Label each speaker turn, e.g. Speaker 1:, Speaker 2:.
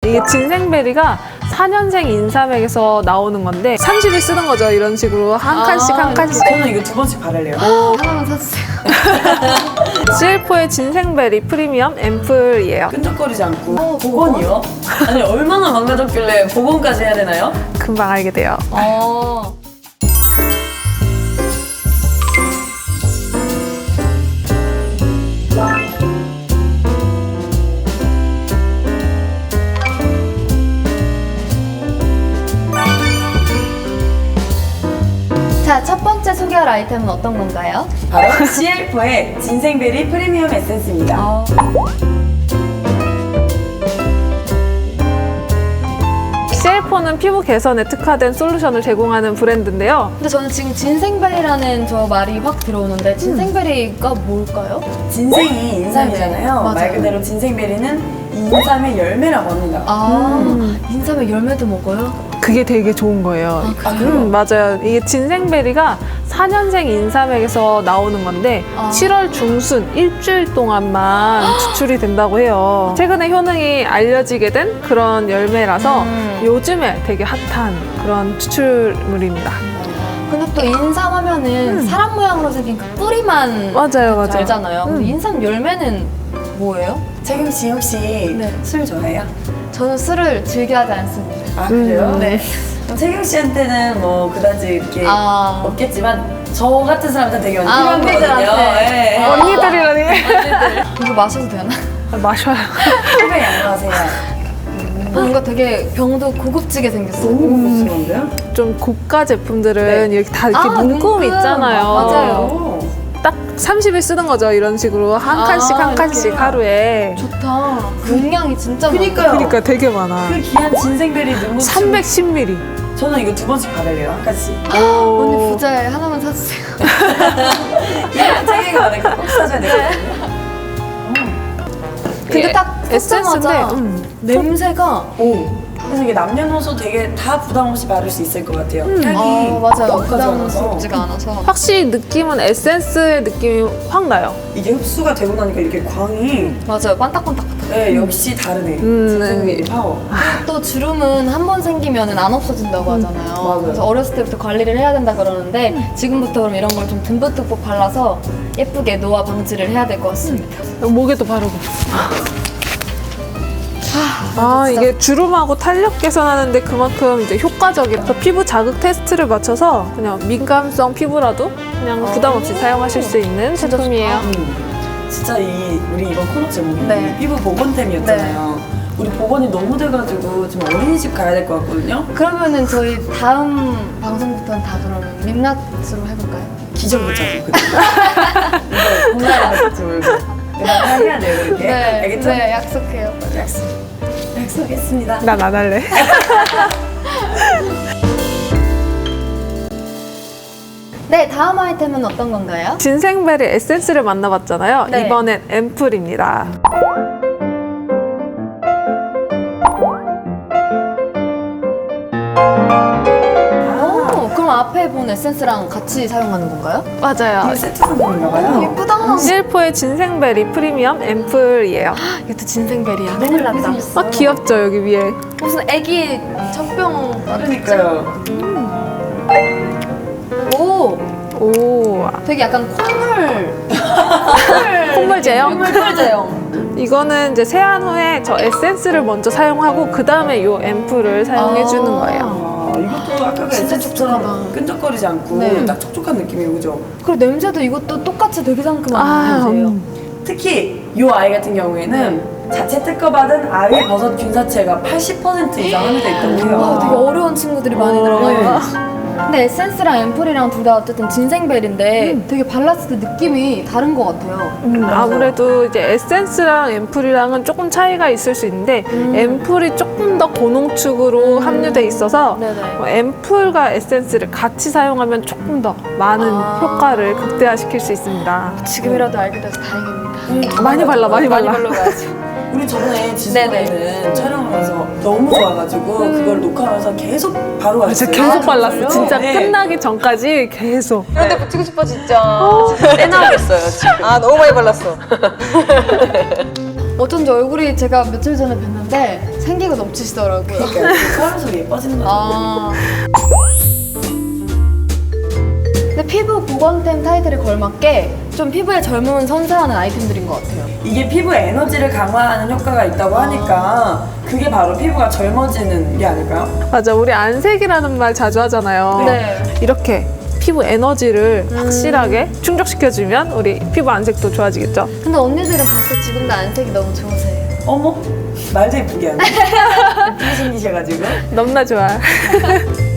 Speaker 1: 이게 진생베리가 4년생 인삼액에서 나오는 건데 30일 쓰는 거죠. 이런 식으로 한 칸씩 한 칸씩.
Speaker 2: 저는 이거 2번씩 바를래요.
Speaker 3: 하나만 사주세요.
Speaker 1: CL4의 진생베리 프리미엄 앰플이에요.
Speaker 2: 끈적거리지 않고. 복원이요? 아니, 얼마나 망가졌길래 복원까지 해야 되나요?
Speaker 1: 금방 알게 돼요.
Speaker 3: 자, 첫 번째 소개할 아이템은 어떤 건가요?
Speaker 2: 바로 CL4의 진생베리 프리미엄 에센스입니다.
Speaker 1: CL4는 피부 개선에 특화된 솔루션을 제공하는 브랜드인데요.
Speaker 3: 근데 저는 지금 진생베리라는 저 말이 확 들어오는데 진생베리가 뭘까요?
Speaker 2: 진생이 인삼이잖아요.
Speaker 3: 네네, 맞아요.
Speaker 2: 말 그대로 진생베리는 인삼의 열매라고 합니다.
Speaker 3: 인삼의 열매도 먹어요?
Speaker 1: 그게 되게 좋은 거예요. 맞아요. 이게 진생베리가 4년생 인삼액에서 나오는 건데 7월 중순 일주일 동안만 추출이 된다고 해요. 최근에 효능이 알려지게 된 그런 열매라서 요즘에 되게 핫한 그런 추출물입니다.
Speaker 3: 근데 또 인삼 하면은 사람 모양으로 생긴 그 뿌리만
Speaker 1: 맞아요.
Speaker 3: 알잖아요. 근데 인삼 열매는 뭐예요?
Speaker 2: 채경 씨 혹시
Speaker 3: 네.
Speaker 2: 술 좋아해요?
Speaker 3: 저는 술을 즐겨하지 않습니다.
Speaker 2: 아, 그래요?
Speaker 3: 네.
Speaker 2: 그럼 채경 씨한테는 뭐 그다지 이렇게 없겠지만 저 같은 사람한테 되게 필요한 거거든요.
Speaker 3: 언니들한테.
Speaker 1: 언니들이라니.
Speaker 3: 이거 마셔도 되나?
Speaker 1: 마셔요.
Speaker 2: 술에 양보하세요.
Speaker 3: 뭔가 되게 병도 고급지게 생겼어요.
Speaker 2: 너무 고급스러운데요?
Speaker 1: 좀 고가 제품들은 이렇게 다 이렇게 문구음
Speaker 3: 문구.
Speaker 1: 있잖아요.
Speaker 3: 맞아요.
Speaker 1: 딱 30일 쓰는 거죠. 이런 식으로 한 칸씩 한 칸씩
Speaker 3: 이렇게.
Speaker 1: 하루에.
Speaker 3: 좋다. 용량이 진짜
Speaker 2: 그니까요.
Speaker 1: 그러니까 되게 많아.
Speaker 2: 그 귀한 진생베리 눈물
Speaker 1: 310ml.
Speaker 2: 저는 이거 2번씩 바를래요. 한 칸씩.
Speaker 3: 언니 부자에 하나만 사주세요.
Speaker 2: 이런 채경이가 만약에 꼭 사줘야 되거든요.
Speaker 3: 근데 딱
Speaker 1: 에센스인데
Speaker 3: 섞자마자 냄새가
Speaker 2: 그래서 이게 남녀노소 되게 다 부담 없이 바를 수 있을 것 같아요. 향이
Speaker 3: 맞아요.
Speaker 2: 너무 가져와서
Speaker 3: 부담스럽지가 않아서.
Speaker 1: 확실히 느낌은 에센스의 느낌이 확 나요.
Speaker 2: 이게 흡수가 되고 나니까 이렇게 광이
Speaker 3: 맞아요. 반딱반딱.
Speaker 2: 네, 역시 다르네. 진생베리 파워.
Speaker 3: 또 주름은 한 번 생기면 안 없어진다고 하잖아요.
Speaker 2: 맞아요.
Speaker 3: 그래서 어렸을 때부터 관리를 해야 된다 그러는데 지금부터 그럼 이런 걸 좀 듬뿍듬뿍 발라서 예쁘게 노화 방지를 해야 될 것 같습니다.
Speaker 1: 목에도 바르고. 이게 주름하고 탄력 개선하는데 그만큼 이제 효과적인 피부 자극 테스트를 맞춰서 그냥 민감성 피부라도 그냥 부담 없이 사용하실 수 있는 제품이에요.
Speaker 2: 진짜 우리 이번 코너 제목이
Speaker 3: 네.
Speaker 2: 피부 보건템이었잖아요. 우리 보건이 너무 돼가지고 좀 어린이집 가야 될 것 같거든요.
Speaker 3: 그러면은 저희 다음 방송부터는 다 그러면 민낯으로 해볼까요?
Speaker 2: 기절부터 이거 공간에 같이 울고 내가 해야 돼요 그렇게. 알겠죠?
Speaker 3: 네, 약속해요.
Speaker 2: 약속했습니다.
Speaker 1: 난 안 할래.
Speaker 3: 네, 다음 아이템은 어떤 건가요?
Speaker 1: 진생베리 에센스를 만나봤잖아요.
Speaker 3: 네.
Speaker 1: 이번엔 앰플입니다.
Speaker 3: 그럼 앞에 본 에센스랑 같이 사용하는 건가요?
Speaker 1: 맞아요.
Speaker 2: 이게 세트 상품인가 봐요.
Speaker 3: 예쁘다.
Speaker 1: CL4의 진생베리 프리미엄 앰플이에요.
Speaker 3: 이것도 진생베리야. 큰일 났다.
Speaker 1: 귀엽죠, 여기 위에.
Speaker 3: 무슨 애기 젖병.
Speaker 2: 그러니까요.
Speaker 3: 오,
Speaker 1: 오,
Speaker 3: 되게 약간
Speaker 1: 콧물 제형?
Speaker 3: 콧물 제형.
Speaker 1: 이거는 이제 세안 후에 저 에센스를 먼저 사용하고 그 다음에 이 앰플을 사용해 주는 거예요.
Speaker 2: 이것도 아까 그
Speaker 3: 진짜
Speaker 2: 에센스처럼
Speaker 3: 촉촉하다.
Speaker 2: 끈적거리지 않고
Speaker 3: 네.
Speaker 2: 딱 촉촉한 느낌이에요, 그죠?
Speaker 3: 그리고 냄새도 이것도 똑같이 되게 상큼한 냄새예요.
Speaker 2: 특히 이 아이 같은 경우에는 자체 특허받은 아위 버섯 균사체가 80% 이상 함유되어 있다고 해요.
Speaker 3: 와, 되게 어려운 친구들이 많이 들어가요. 근데 에센스랑 앰플이랑 둘 다 어쨌든 진생베리인데 되게 발랐을 때 느낌이 다른 것 같아요.
Speaker 1: 아무래도 이제 에센스랑 앰플이랑은 조금 차이가 있을 수 있는데 앰플이 조금 더 고농축으로 함유돼 있어서
Speaker 3: 네네.
Speaker 1: 앰플과 에센스를 같이 사용하면 조금 더 많은 효과를 극대화시킬 수 있습니다.
Speaker 3: 지금이라도 알게 돼서 다행입니다.
Speaker 1: 많이 발라, 많이 발라.
Speaker 3: 발라가지고.
Speaker 2: 우리 저번에 지수에는 촬영하면서 너무 좋아가지고 그걸 녹화하면서 계속 바로 왔어요.
Speaker 1: 진짜 계속 발랐어. 진짜
Speaker 2: 네.
Speaker 1: 끝나기 전까지 계속.
Speaker 4: 근데 붙이고 싶어 진짜. 떼 나오겠어요 지금. 아 너무 많이 발랐어.
Speaker 3: 어쩐지 얼굴이 제가 며칠 전에 뵀는데 생기가 넘치시더라고요.
Speaker 2: 그러니까 서울서 예뻐지는 거죠.
Speaker 3: 아. 근데 피부 보건템 타이틀에 걸맞게 좀 피부의 젊음을 선사하는 아이템들인 것 같아요.
Speaker 2: 이게 피부 에너지를 강화하는 효과가 있다고 하니까 그게 바로 피부가 젊어지는 게 아닐까요?
Speaker 1: 맞아, 우리 안색이라는 말 자주 하잖아요.
Speaker 3: 네.
Speaker 1: 이렇게 피부 에너지를 확실하게 충족시켜주면 우리 피부 안색도 좋아지겠죠?
Speaker 3: 근데 언니들은 벌써 지금도 안색이 너무 좋으세요.
Speaker 2: 어머, 말도 예쁘게 하네. 예쁘게 생기셔가지고.
Speaker 1: 너무나 좋아.